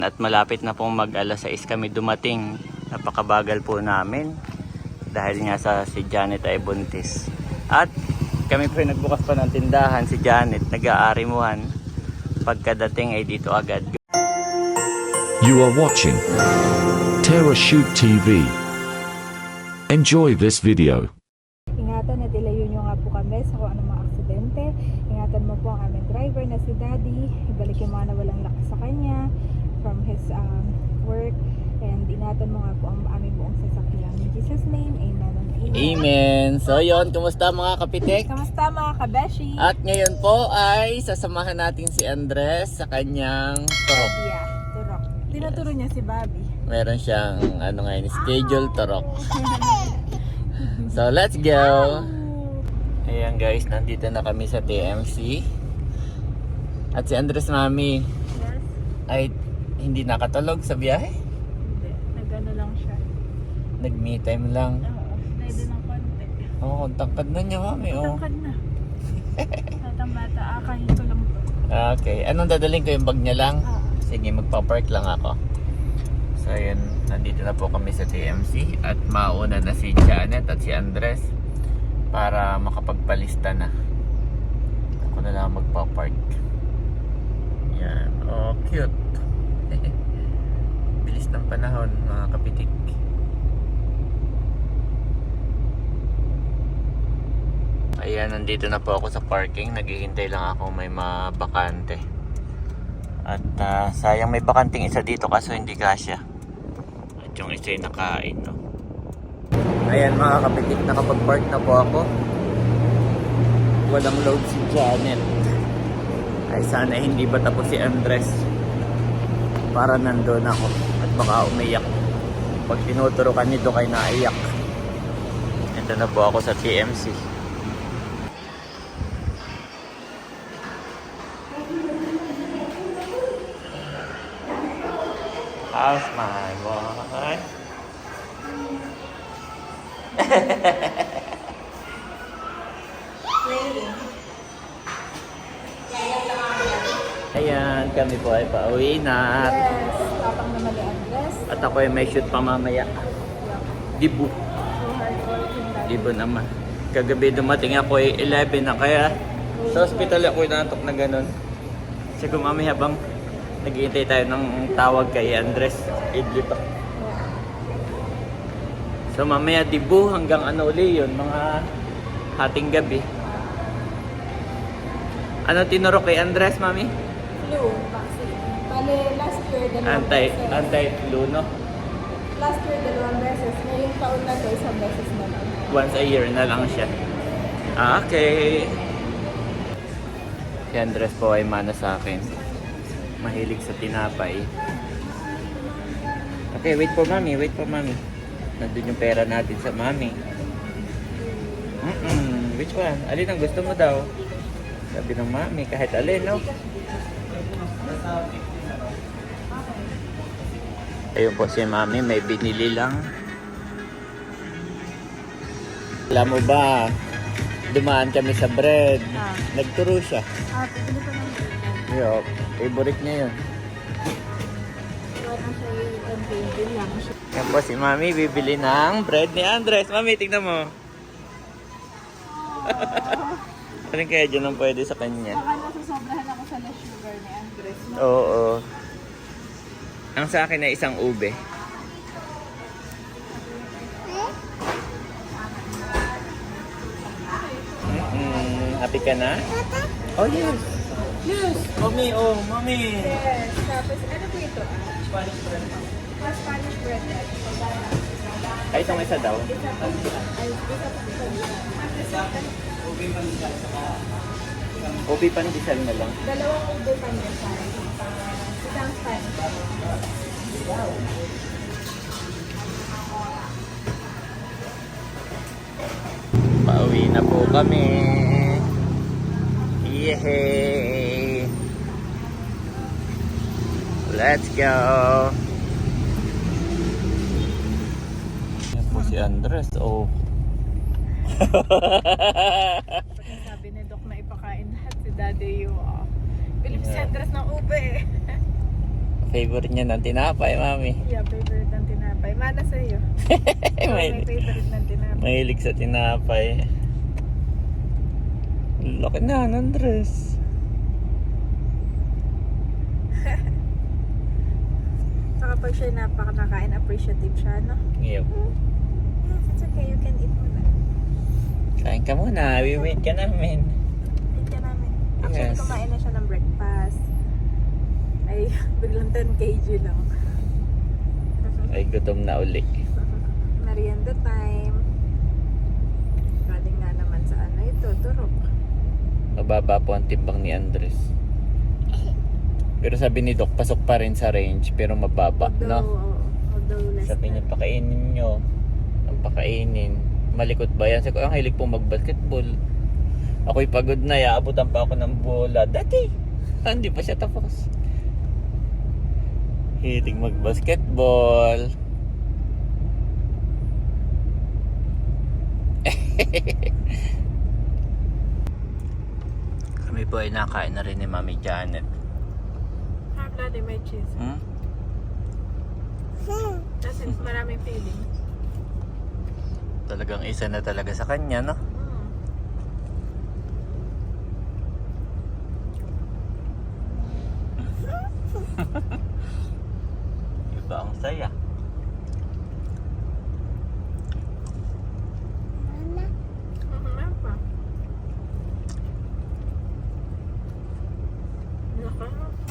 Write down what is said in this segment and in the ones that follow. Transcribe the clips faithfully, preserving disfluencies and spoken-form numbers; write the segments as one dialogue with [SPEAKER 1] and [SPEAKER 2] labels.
[SPEAKER 1] At malapit na pong mag alas sais kami dumating. Napakabagal po namin dahil nga sa si Janet ay buntis. At kami po nagbukas pa ng tindahan, si Janet nag-aarimuhan. Pagkadating ay dito agad.
[SPEAKER 2] You are watching TerraShoot T V. Enjoy this video.
[SPEAKER 3] Ingatan at ilayo nyo nga po kami sa kung anong mga aksidente. Ingatan mo po ang aming driver na si Daddy. Ibalik yung mga nawalang lakas sa kanya from his um, work. And ingatan mo nga po ang aming buong sasakyan. In Jesus' name, amen and amen.
[SPEAKER 1] Amen. So yon, kumusta mga kapitek?
[SPEAKER 3] Kamusta mga kabeshi?
[SPEAKER 1] At ngayon po ay sasamahan natin si Andres sa kanyang turok.
[SPEAKER 3] Yeah, turok. Tinuturo niya si Bobby.
[SPEAKER 1] Meron siyang ano ngayon, schedule turok. So let's go. Ayan guys, nandito na kami sa T M C. At si Andres Mami
[SPEAKER 3] Yes?
[SPEAKER 1] ay hindi nakatulog sa biyahe.
[SPEAKER 3] Hindi. Nagano lang siya.
[SPEAKER 1] Nag me time lang.
[SPEAKER 3] Oo. Pwede ng konti.
[SPEAKER 1] Oo, oh, tangkad na niya Mami. Oh.
[SPEAKER 3] Tangkad na. Batang bata. Ah, kahito lang to.
[SPEAKER 1] Okay, anong dadaling ko, yung bag niya lang?
[SPEAKER 3] Ah.
[SPEAKER 1] Sige, magpa-park lang ako. So ayun, nandito na po kami sa T M C at mauna na si Janet at si Andres para makapagpalista na. Ako na lang magpa-park. Yan, oh cute. Bilis ng panahon mga kapitik. Ayan, nandito na po ako sa parking. Naghihintay lang ako may mabakante. At uh, sayang may bakanting isa dito kaso hindi kasya. At yung isa ay nakain, no? Ayan mga kapitik, nakapag-park na po ako. Walang load si Janet. Ay sana hindi pa tapos si Andres para nandun ako at baka umiyak. Pag tinuturukan nito kay naiyak. Ito na po ako sa T M C. How's my boy? Ayan, kami po ay pauwi na.
[SPEAKER 3] Yes. Tapang naman ni Andres.
[SPEAKER 1] At ako ay may shoot pa mamaya. Dibu.
[SPEAKER 3] So hardworking dad.
[SPEAKER 1] Dibu naman. Kagabi dumating ako ay eleven na kaya sa hospital ako inaantok na ganun. Siguro mamaya habang naghihintay tayo ng tawag kay Andres, idli pa. So mamaya dibu hanggang ano uli yun, mga hating gabi. Ano tinuro kay Andres, Mami?
[SPEAKER 3] Flu vaccine. Bale, last year, dalawang
[SPEAKER 1] Anti,
[SPEAKER 3] beses.
[SPEAKER 1] anti-flu, no?
[SPEAKER 3] Last year, dalawang beses. Ngayong taon na to, isang beses na lang.
[SPEAKER 1] Once a year na lang siya. Ah, okay. Si Andres po ay mana sa akin. Mahilig sa tinapay. Okay, wait for Mami, wait for Mami. Nandun yung pera natin sa Mami. Mm-mm, which one? Alin ang gusto mo daw? Sabi ng Mami, kahit alin, no? Ayun po si Mami, may binili lang. Alam mo ba, dumaan kami sa bread.
[SPEAKER 3] Ah.
[SPEAKER 1] Nagturo siya.
[SPEAKER 3] Ah, pili ko ng bread.
[SPEAKER 1] Yo, favorite niya yun.
[SPEAKER 3] Iwan na siya yung baby lang.
[SPEAKER 1] Yan po si Mami, bibili ng bread ni Andres. Mami, tignan mo. Ano kaya dyan ang pwede sa kanya?
[SPEAKER 3] Baka nasusobrahan ako sa less sugar ni Andres. No?
[SPEAKER 1] Oo. Ang sa akin ay isang ube. Mm-mm. Happy ka na? Oh, yes. Yes. Mami, oh, Mami.
[SPEAKER 3] Yes. Tapos, ano po ito? Ah?
[SPEAKER 1] Spanish bread.
[SPEAKER 3] Ah, Spanish bread.
[SPEAKER 1] Ay, itong isa daw.
[SPEAKER 3] Isa pa. Ay, isa pa.
[SPEAKER 1] Ube pandesal. Ube pandesal na lang.
[SPEAKER 3] Dalawang ube pandesal. Isang Spanish.
[SPEAKER 1] Pauwi na po kami. Yehey! Let's go! Yan po si Andres. Oh.
[SPEAKER 3] Sabi ni Doc na ipakain lahat si Daddy yung uh, Philip Andres ng ube.
[SPEAKER 1] Favorite niya ng tinapay, mami.
[SPEAKER 3] Yeah, favorite ng tinapay. Mana sa'yo. Ikaw may
[SPEAKER 1] Mahilig,
[SPEAKER 3] favorite ng tinapay.
[SPEAKER 1] mahilig sa tinapay. Laki na, Andres.
[SPEAKER 3] Saka pag siya napakanakain, appreciative siya, no?
[SPEAKER 1] Yep.
[SPEAKER 3] Yes, it's okay. You can eat muna.
[SPEAKER 1] Kain ka muna, we wait ka namin.
[SPEAKER 3] Eat ka namin. Actually,
[SPEAKER 1] Yes.
[SPEAKER 3] kumain na siya ng breakfast. Ay, biglang ten kilograms lang.
[SPEAKER 1] Ay, gutom na uli.
[SPEAKER 3] Merienda time. Galing nga naman sa ano ito, turok.
[SPEAKER 1] Mababa po ang timbang ni Andres. Pero sabi ni Doc, pasok pa rin sa range, pero mababa,
[SPEAKER 3] Although,
[SPEAKER 1] no?
[SPEAKER 3] oo, although less
[SPEAKER 1] Sabi niya,
[SPEAKER 3] than.
[SPEAKER 1] pakainin nyo. Ang pakainin. Malikot ba yan? Sabi ko, ang hilig pong mag-basketball. Ako'y pagod na, iaabutan pa ako ng bola. Dati, hindi pa siya tapos. Hilig mag-basketball. Kami po ay nakain na rin ni Mami Janet.
[SPEAKER 3] Ah, daddy, may cheese.
[SPEAKER 1] Hmm?
[SPEAKER 3] Kasi maraming feeling.
[SPEAKER 1] Talagang isa na talaga sa kanya, no?
[SPEAKER 3] Mm.
[SPEAKER 1] Iba ang saya.
[SPEAKER 3] Mhm, ano pa? Naka.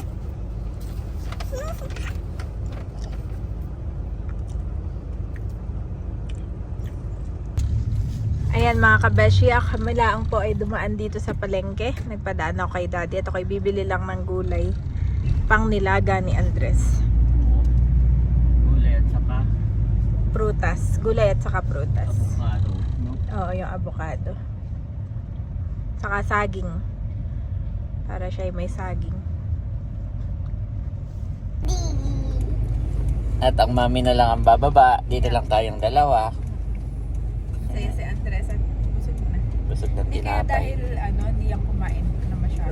[SPEAKER 3] Ayan mga kabeshi, kami lang po ay dumaan dito sa palengke. Nagpadaan ako kay daddy at ako'y bibili lang ng gulay pang nilaga ni Andres.
[SPEAKER 1] Gulay at saka
[SPEAKER 3] Prutas, gulay at saka prutas.
[SPEAKER 1] avocado, no?
[SPEAKER 3] Oo, yung avocado. Saka saging. Para siya ay may saging.
[SPEAKER 1] At ang mami na lang ang bababa. Dito lang tayong dalawa.
[SPEAKER 3] Saya si Andres at busog na.
[SPEAKER 1] Busog ng
[SPEAKER 3] Hindi kaya
[SPEAKER 1] tinapay.
[SPEAKER 3] dahil ano, hindi yung kumain na masyado.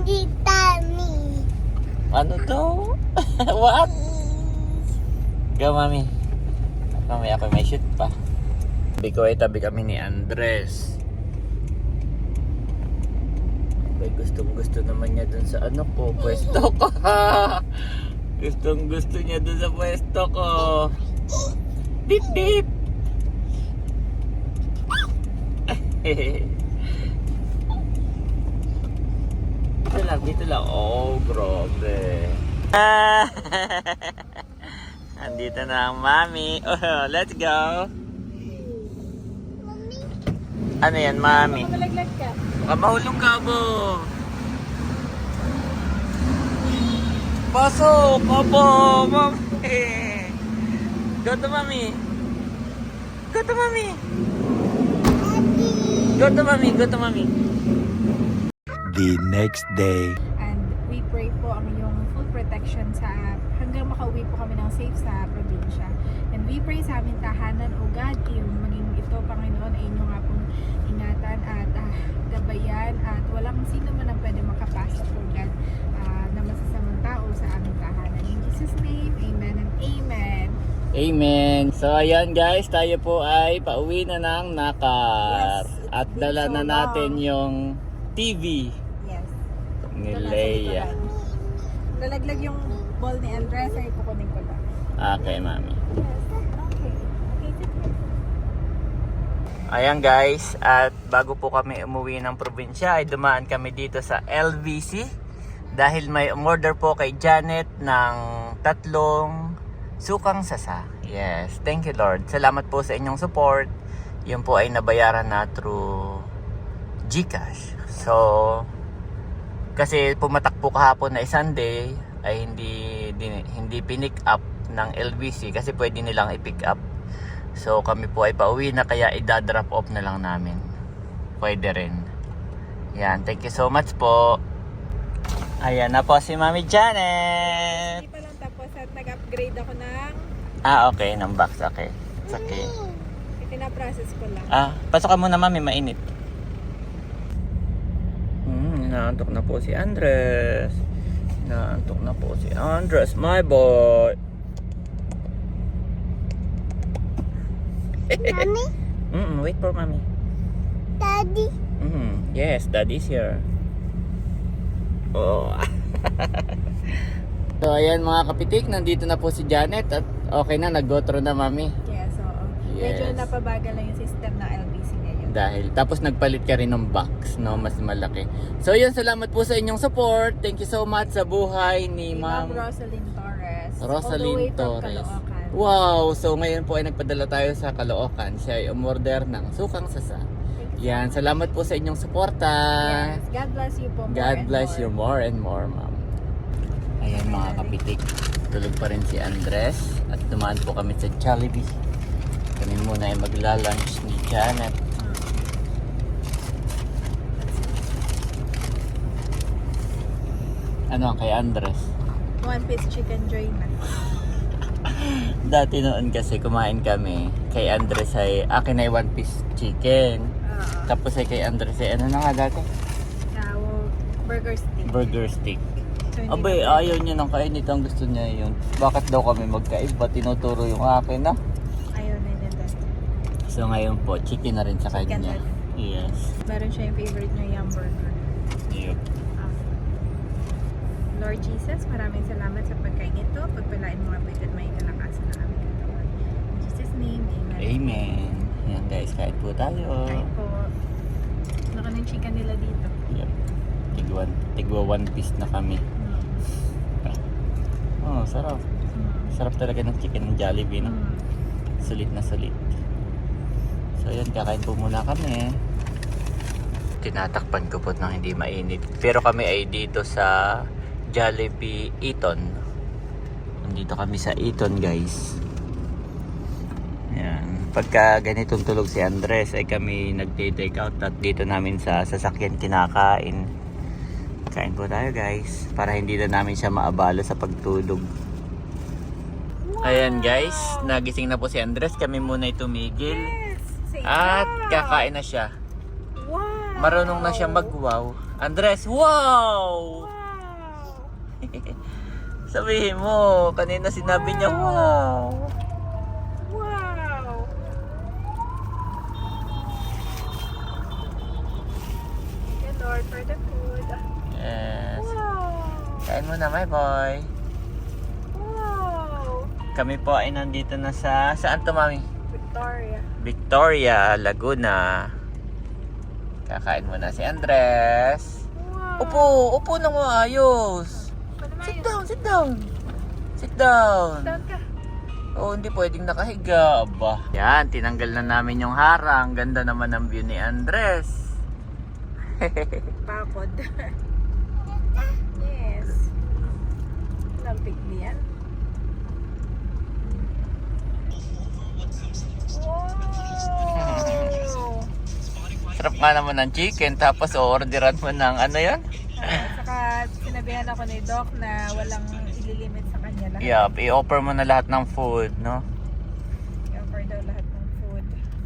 [SPEAKER 1] Ano to? What? Go, mami. Mami, ako may shoot pa. Tabi ko ay tabi kami ni Andres. Ay, gustong gusto naman niya dun sa ano ko, pwesto ko. Gustong gusto niya dun sa pwesto ko. Beep beep. Dito lang, dito lang. Oh, grabe. Ah, andito na ang mami. Oh, let's go. Ano yan, mami?
[SPEAKER 3] Malaglag ka.
[SPEAKER 1] Baka mahulog ka, bo. Pasok, opo, mami. Go to mami. Go to mami. Go to mami, go to mami.
[SPEAKER 4] The next day.
[SPEAKER 3] And we pray po ang iyong full protection sa hanggang makauwi po kami ng safe sa probinsya. And we pray sa aming tahanan, O God, yung maging ito, Panginoon, ay inyo nga pong ingatan at ah, gabayan at walang sino man ang pwede makapasok, O God, ah, na masasamang tao sa aming tahanan. In Jesus' name, amen and amen.
[SPEAKER 1] Amen. So ayan guys, tayo po ay pauwi na ng Nakar.
[SPEAKER 3] Yes, it's
[SPEAKER 1] At
[SPEAKER 3] been
[SPEAKER 1] dala
[SPEAKER 3] so
[SPEAKER 1] na
[SPEAKER 3] long.
[SPEAKER 1] natin yung T V
[SPEAKER 3] Yes.
[SPEAKER 1] ni
[SPEAKER 3] Ito nasa
[SPEAKER 1] Leia.
[SPEAKER 3] likuran. Nalaglag yung ball ni Andres, ay kukunin ko lang.
[SPEAKER 1] Okay, mami.
[SPEAKER 3] Yes. Okay. Okay, sit here.
[SPEAKER 1] Ayan guys, at bago po kami umuwi ng probinsya ay dumaan kami dito sa L V C dahil may order po kay Janet ng tatlong sukang sasa. Yes, thank you Lord. Salamat po sa inyong support. Yun po ay nabayaran na through GCash. So, kasi pumatak po kahapon na Sunday ay hindi din, hindi pinick up ng L V C kasi pwede nilang i-pick up. So kami po ay pauwi na kaya i-drop off na lang namin. Pwede rin. Yan, thank you so much po. Ayan na po si Mami Janet.
[SPEAKER 3] Hindi pa lang tapos at nag-upgrade ako ng
[SPEAKER 1] Ah, okay, ng box. Okay. It's okay.
[SPEAKER 3] pinaprocess ko lang.
[SPEAKER 1] Ah, pasok ka muna Mami, mainit. Hmm, inaantok na po si Andres. Inaantok na po si Andres, my boy.
[SPEAKER 5] Mommy,
[SPEAKER 1] Mm, wait for mommy.
[SPEAKER 5] Daddy.
[SPEAKER 1] Mm, yes, daddy's here. Oh. So ayan mga kapitik, nandito na po si Janet at okay na, nag-go through na mami.
[SPEAKER 3] Yes, oo.
[SPEAKER 1] Yes.
[SPEAKER 3] Medyo napabagal lang yung system ng L B C ngayon.
[SPEAKER 1] Dahil, tapos nagpalit ka rin ng box, no? Mas malaki. So yun, salamat po sa inyong support. Thank you so much sa buhay ni
[SPEAKER 3] Si Ma'am
[SPEAKER 1] Ma'am
[SPEAKER 3] Rosalyn Torres. all the
[SPEAKER 1] Rosalyn
[SPEAKER 3] way from
[SPEAKER 1] Torres.
[SPEAKER 3] Caloocan.
[SPEAKER 1] Wow! So ngayon po ay nagpadala tayo sa Caloocan. Siya ay umorder ng sukang sasa. Yan, salamat po sa inyong suporta.
[SPEAKER 3] Yes, God bless you po more
[SPEAKER 1] God
[SPEAKER 3] and
[SPEAKER 1] bless
[SPEAKER 3] more.
[SPEAKER 1] you more and more, ma'am. Ayan mga kapitik, tulog pa rin si Andres at dumaan po kami sa Jollibee. Kami muna ay magla-lunch ni Janet. Ano kay Andres?
[SPEAKER 3] One piece chicken joy na.
[SPEAKER 1] Dati noon kasi kumain kami kay Andres ay akin ay one piece chicken.
[SPEAKER 3] Oo.
[SPEAKER 1] Tapos ay kay Andres ay ano na nga dati?
[SPEAKER 3] Now, burger stick.
[SPEAKER 1] Burger stick.
[SPEAKER 3] So, hindi
[SPEAKER 1] Abay,
[SPEAKER 3] na-
[SPEAKER 1] ayaw niya nang kain. Ito ang gusto niya yun. Bakit daw kami magkaiba? Tinuturo yung akin, no?
[SPEAKER 3] Ayaw na niya dati.
[SPEAKER 1] So ngayon po, chicken na rin sa
[SPEAKER 3] Chicken
[SPEAKER 1] kanya.
[SPEAKER 3] na
[SPEAKER 1] Yes.
[SPEAKER 3] Meron siya yung favorite niya, yung burger.
[SPEAKER 1] Yep.
[SPEAKER 3] Ah. Lord Jesus, maraming salamat sa pagkain ito. Pagpalain mo nga po ito at may kalakasan ng aming katawan. In Jesus' name, amen.
[SPEAKER 1] Amen. Yan guys, kain po tayo.
[SPEAKER 3] Kain po. Laka ng chicken nila dito.
[SPEAKER 1] Yep. Tigwa, tigwa one piece na kami. Oh, sarap.
[SPEAKER 3] Mm.
[SPEAKER 1] Sarap talaga ng chicken ng Jollibee, no?
[SPEAKER 3] Mm.
[SPEAKER 1] Sulit na sulit. So yan, kakain po muna kami. Tinatakpan ko po nang hindi mainit. Pero kami ay dito sa Jollibee Eton. Nandito kami sa Eton, guys. Yan. Pagka ganitong tulog si Andres ay kami nagte-take out at dito namin sa sasakyan kinakain. Kain po tayo guys para hindi na namin siya maabala sa pagtulog. Ayan guys, nagising na po si Andres. Kami muna ay tumigil
[SPEAKER 3] Yes! Say
[SPEAKER 1] at
[SPEAKER 3] wow!
[SPEAKER 1] kakain na siya.
[SPEAKER 3] Wow!
[SPEAKER 1] Marunong na siya mag-wow. Andres, wow!
[SPEAKER 3] Wow!
[SPEAKER 1] Sabihin mo, kanina sinabi niya wow.
[SPEAKER 3] Wow! Thank you Lord for the food.
[SPEAKER 1] Yes.
[SPEAKER 3] Wow!
[SPEAKER 1] Kain mo na, my boy.
[SPEAKER 3] Wow!
[SPEAKER 1] Kami po ay nandito na sa, saan to mami?
[SPEAKER 3] Victoria.
[SPEAKER 1] Victoria, Laguna. Kakain mo na si Andres.
[SPEAKER 3] Wow!
[SPEAKER 1] Upo, upo na mo ayos. Sit down, sit down. Sit down.
[SPEAKER 3] Down ka.
[SPEAKER 1] Oh, hindi pwedeng nakahiga. Aba. Yan, tinanggal na namin yung harang. Ganda naman ang view ni Andres.
[SPEAKER 3] Pakod. Yes. Lampig niyan. Wow!
[SPEAKER 1] Sarap nga naman ng chicken. Tapos orderan mo ng ano yan?
[SPEAKER 3] Ah, saka sinabihan ako ni Doc na walang ililimit sa kanya lahat.
[SPEAKER 1] Yup, i-offer mo na lahat ng food, no?
[SPEAKER 3] I-offer daw lahat ng food.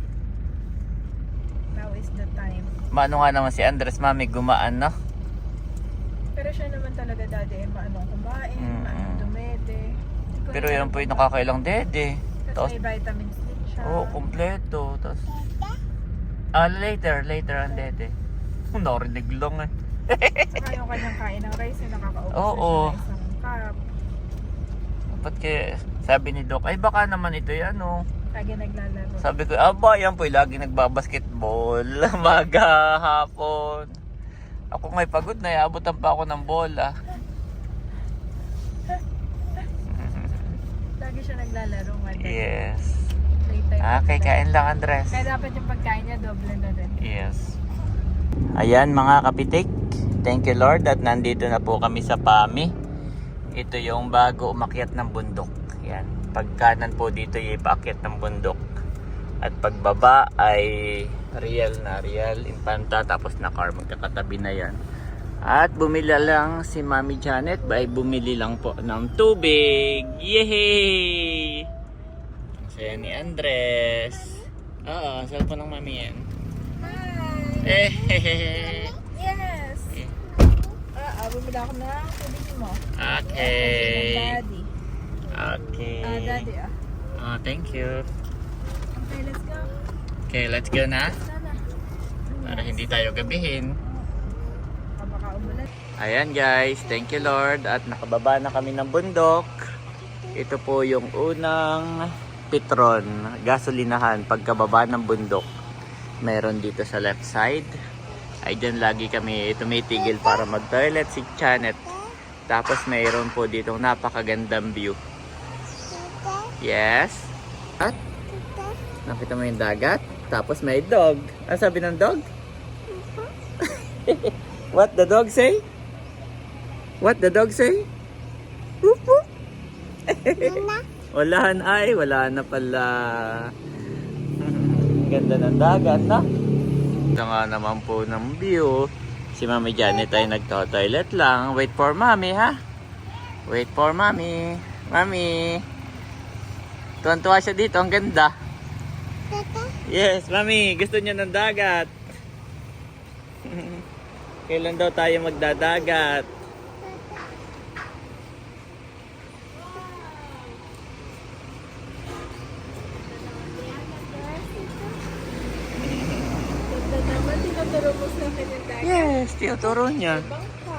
[SPEAKER 3] Now is the time.
[SPEAKER 1] Maano nga naman si Andres, mami, gumaan, no?
[SPEAKER 3] Pero siya naman talaga dati eh, maanong kumain,
[SPEAKER 1] Mm.
[SPEAKER 3] maanong dumede. Hindi ko
[SPEAKER 1] Pero
[SPEAKER 3] na
[SPEAKER 1] yan
[SPEAKER 3] alam
[SPEAKER 1] po yung
[SPEAKER 3] kung
[SPEAKER 1] nakakailang dede.
[SPEAKER 3] bakit.
[SPEAKER 1] Tapos,
[SPEAKER 3] Tapos may vitamins din siya.
[SPEAKER 1] oo, oh, kompleto. Tapos, ah, later, later ang dede. Narinig lang eh.
[SPEAKER 3] Saka yung kanyang kain ng rice yung nakakaubos
[SPEAKER 1] Oo.
[SPEAKER 3] na siya ng isang cup.
[SPEAKER 1] Dapat kaya, sabi ni Doc, ay baka naman ito yan, oh.
[SPEAKER 3] Lagi naglalaro.
[SPEAKER 1] Sabi ko, aba, yan po, lagi nagbabasketball. Maga, hapon. Ako nga'y pagod na, iabutan pa ako ng bola.
[SPEAKER 3] Lagi siya naglalaro. Mother.
[SPEAKER 1] Yes.
[SPEAKER 3] Playtime.
[SPEAKER 1] Okay, kain lang, Andres.
[SPEAKER 3] Kaya dapat yung pagkain niya doble na rin.
[SPEAKER 1] Yes. Ayan mga kapitik, thank you Lord at nandito na po kami sa Pami. Ito yung bago umakyat ng bundok. Yan. Pagkanan po dito yung paakyat ng bundok. At pagbaba ay real na real, Infanta, tapos na car, magkakatabi na yan. At bumili lang si Mami Janet, by bumili lang po ng tubig. Yehey! Ang saya ni Andres. Oo, cellphone ng Mami yan.
[SPEAKER 3] Hi!
[SPEAKER 1] Eh,
[SPEAKER 3] Yes! Uh-oh. bumili ako ng tubig mo.
[SPEAKER 1] Okay.
[SPEAKER 3] Daddy.
[SPEAKER 1] Okay.
[SPEAKER 3] Ah, daddy ah.
[SPEAKER 1] Oh, thank you.
[SPEAKER 3] Okay, let's go.
[SPEAKER 1] Okay, let's go na.
[SPEAKER 3] Sana.
[SPEAKER 1] Para hindi tayo gabihin.
[SPEAKER 3] Ah, baka umulan.
[SPEAKER 1] Ayan guys, thank you Lord. At nakababa na kami ng bundok. Ito po yung unang Petron, gasolinahan pagkababa ng bundok. Meron dito sa left side. Ay dyan lagi kami tumitigil para mag-toilet si Janet. Tapos mayroon po dito napakagandang view. Yes. At nakita mo yung dagat. Tapos may dog. Ano sabi ng dog? What the dog say? What the dog say? Whoop whoop. Wala na ay, wala na pala. Ganda ng dagat, na? Ito nga naman po ng view. Si Mami Janet ay nagto-toilet lang. Wait for Mami, ha? Wait for Mami. Mami. Tuwan-tuwa siya dito, ang ganda. Yes, Mami, gusto niya ng dagat. Kailan daw tayo magdadagat?
[SPEAKER 3] Ganda naman, tinuturo mo sa akin yung dagat.
[SPEAKER 1] Yes, tinuturo niya.
[SPEAKER 3] Bangka.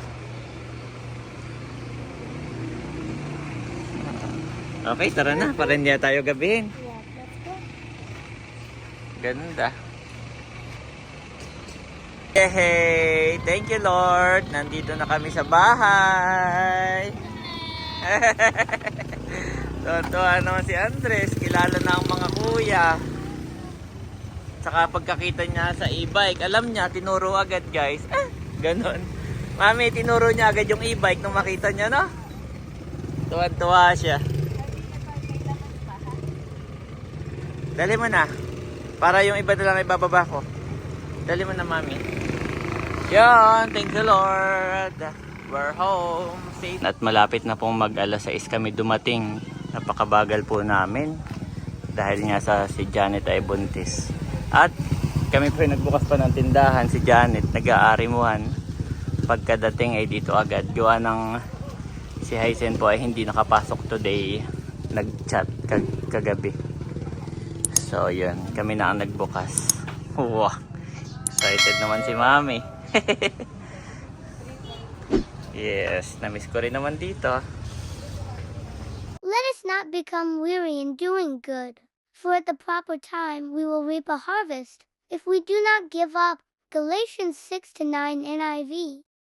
[SPEAKER 1] Okay, tara na, para hindi tayo gabihin.
[SPEAKER 3] Yeah, let's go.
[SPEAKER 1] Ganda. Hey, thank you Lord. Nandito na kami sa bahay. Tuwa naman si Andres. Kilala na ang mga kuya. Saka pagkakita niya sa e-bike, alam niya, tinuro agad guys. Ah, ganon. Mami, tinuro niya agad yung e-bike nung makita niya, no? Tuwan-tuwa siya. Dali mo na. Para yung iba na lang ibababa ko. Dali mo na, Mami. Yan, thank you Lord. We're home. Safe. At malapit na pong mag alas sais kami dumating. Napakabagal po namin. Dahil nga sa si Janet ay buntis. At kami po nagbukas pa ng tindahan. Si Janet nag-aarimuhan. Pagkadating ay dito agad. Gawa ng si Hysen po ay hindi nakapasok today. Nag-chat kag kagabi. So yun, kami na ang nagbukas. Wow, excited naman si Mami. Yes, namiss ko rin naman dito.
[SPEAKER 5] Let us not become weary in doing good, for at the proper time we will reap a harvest, if we do not give up. Galatians six to nine N I V.